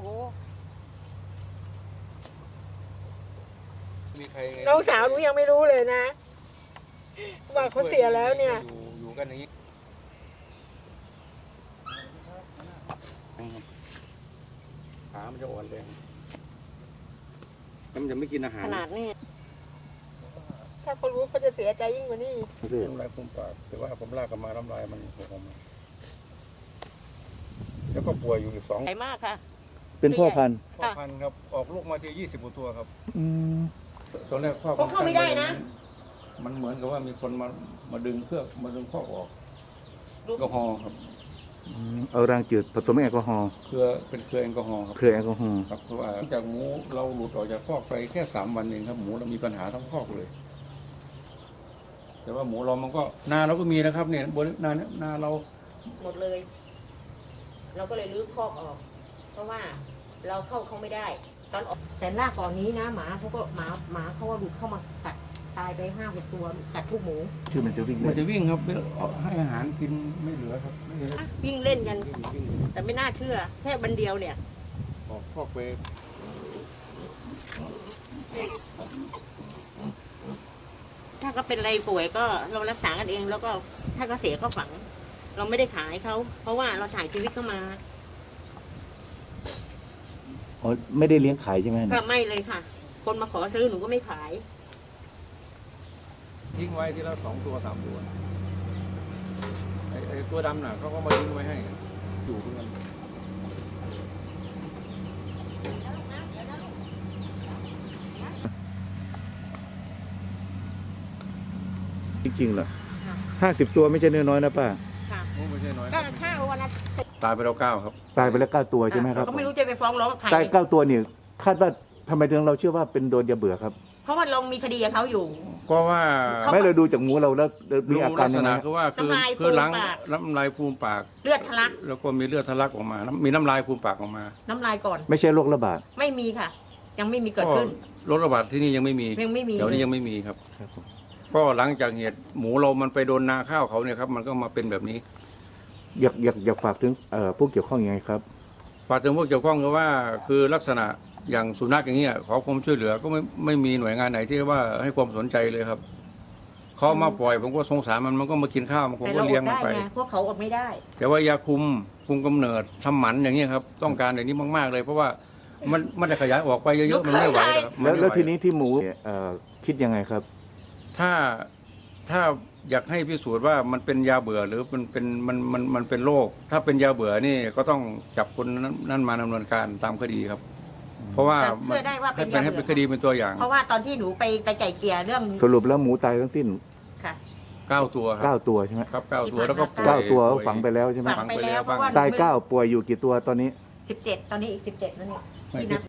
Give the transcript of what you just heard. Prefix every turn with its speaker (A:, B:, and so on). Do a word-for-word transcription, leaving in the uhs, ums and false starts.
A: มีใคร
B: น้องสาวหนูยังไม่รู้เลยนะว่าเขาเสียแล้วเนี่ย
A: อยู่อยู่กันอย่างนี้ขามันจะอ่อนแรงมันจะไม่กินอาหาร
B: ขนาดนี้ถ้าเขารู้เขาจะเสียใจยิ่งกว่านี้
A: น้ำลายฟูมปากแต่ว่าผมลากกลับมาน้ำลายมันหกออกมาแล้วก็ป่วยอยู่อีกสอง
B: ใหญ่มากค่ะ
C: เป็นพ่อพันธุ์
A: พ่อพันธุ์ครับออกลูกมาทียี่สิบกว่าตัวครับ
C: อืม
A: ตอนแรกพ่อ
B: เขาเข้าไม่ได้นะ
A: มันเหมือนกับว่ามีคนมามาดึงเครื่องมาดึงข้อออกแอลกอฮอล์ครับ
C: อืมเอารางจืดผสมแอลกอฮอล์
A: เครือเป็นเครือแอลกอฮอล์ครับ
C: เครือแอลกอฮอล์
A: ครับเพราะว่าหลังจากหมูเราหลุดออกจากคอกไปแค่สามวันเองครับหมูเรามีปัญหาทั้งคอกเลย แต่ว่าหมูเรามันก็นาเราก็มีนะครับเนี่ยบนนานาเรา
B: หมดเลย เราก็เลยรื้อคอกออก เพราะว่าเราเข้าเขาไม่ได้ ตอนออกแต่หน้าก่อนนี้นะหมาเขาก็หมาหมาเขาก็หลุดเข้ามากัดตายไปห้าหกตัวกัดทุกหมู
C: ชื่อมันจะวิ่ง
A: มัน
C: เล่น
A: จะวิ่งครับให้อาหารกินไม่เหลือครับไม่เหลือ
B: วิ่งเล่นกัน
A: วิ่งวิ่ง
B: แต่ไม่น่าเชื่อ แค่บันเดียวเนี่ย
A: ออกคอกไป
B: ถ้าก็เป็นอะไรป่วยก็เรารักษากันเอง แล้วก็ถ้าก็เสียก็ฝัง เราไม่ได้ขายเขาเพราะว่าเราถ่ายชีวิตเข้ามา
C: อ๋อไม่ได้เลี้ยงขายใช่ไหม
B: ก็ไม่เลยค่ะ คนมาขอซื้อหนูก็ไม่ขาย
A: ทิ้งไว้ทีละสองตัวสามตัวไอ้ไอ้ตัวดำน่ะเขาก็มาทิ้งไว้ให้อยู่เพื่อน
C: จริงๆเหรอห้าสิบตัวไม่ใช่น้อยๆนะป้า
B: ค่ะ
A: โอ้ไม่ใช่น้อย
B: ก็ข้าววันละ
A: ตายไปแล้วเก้าครับ
C: ตายไปแล้วเก้าตัวใช่ไหมครับ
B: ก็ไม่รู้จะไปฟ้องร้องใคร
C: ตายเก้าตัวเนี่ยคาดว่าทำไมถึงเราเชื่อว่าเป็นโดนยาเบื่อครับ
B: เพราะว่าเรามีคดีกับเขาอยู่
A: ก็ว่า
B: เขา
C: ไม่เราดูจากหมูเราแล้วมี
A: ดู
C: อา
A: ลั
C: การ
A: กษ
C: ยังไง
A: ณะคือว่าคือ
B: น้ำลาย
A: คือหลัง
B: ฟูมปาก
A: น้ำลายฟูมปาก
B: เลือดทะลัก
A: แล้วก็มีเลือดทะลักออกมาน้ำมีน้ำลายฟูมปากออกมา
B: น้ำลายก่อน
C: ไม่ใช่โรคระบาด
B: ไม่มีค่ะ ยังไม่มีเกิด
A: ก็
B: ขึ้น
A: โรคระบาดที่นี่ยังไม่มี
B: ยังไม่มี
A: เดี๋ยวนี้ยังไม่มีครับ
C: ครับผม
A: ก็หลังจากเหตุหมูเรามันไปโดนนาข้าวเขาเนี่ยครับมันก็มาเป็นแบบนี้
C: อยากอยากอยากฝากถึงเอ่อผู้เกี่ยวข้องยังไงครับ
A: ฝากถึงพวกเกี่ยวข้องก็ว่าคือลักษณะอย่างสุนัขอย่างเงี้ยขอความช่วยเหลือก็ไม่ไม่มีหน่วยงานไหนที่ว่าให้ความสนใจเลยครับเขามาปล่อยผมก็สงสารมันมันก็มากินข้าวมันผม
B: แต่
A: ก็
B: เราอ
A: เลี้ยง
B: ด
A: มัน
B: ได้
A: ไป
B: ไงพวกเขาอดไม่ได้
A: แต่ว่ายาคุมคุมกำเนิดทำหมันอย่างเงี้ยครับต้องการอย่างนี้มากๆเลย เพราะว่ามันมันจะขยายออกไปเยอะๆมันไม่ไหวครับมัน
C: แล้ว
A: ไม่
C: แล้ว
A: ไห
C: ทีนี้ที่หมูเอ่อคิดยังไงครับ
A: ถ้าถ้าอยากให้พิสูจน์ว่ามันเป็นยาเบื่อหรือมันเป็นมันมันมันเป็นโรคถ้าเป็นยาเบื่อนี่ก็ต้องจับคนนั้นนั่นมาดำเนินการตามคดีครับ เพราะว่า
B: แต่เชื่อได้ว่าเป็น
A: ให้ให้
B: ยาเบื่อ
A: เป็นคดีเป็นตัวอย่าง
B: เพราะว่าตอนที่หนูไปไปไก่เกลี่ยเรื่อง
C: สรุปแล้วหมูตายทั้งสิ้น
B: ค่ะ
A: เก้าตัวครั
C: เก้า
A: บ
C: ตัวใช่ไหม
A: ครับเก้าตัวแล้วก็ป่วย
C: เก้าตัว
A: ป่ย
C: ฝังไปแล้วใช่ไหม
B: ฝังไปแล้วเพราะว่า
C: ตายเก้าป่วยอยู่กี่ตัวตอนนี้
B: สิบเจ็ดตอนนี้อีกสิบเจ็ดแล้วนี่
A: ไม่
B: ที่นับ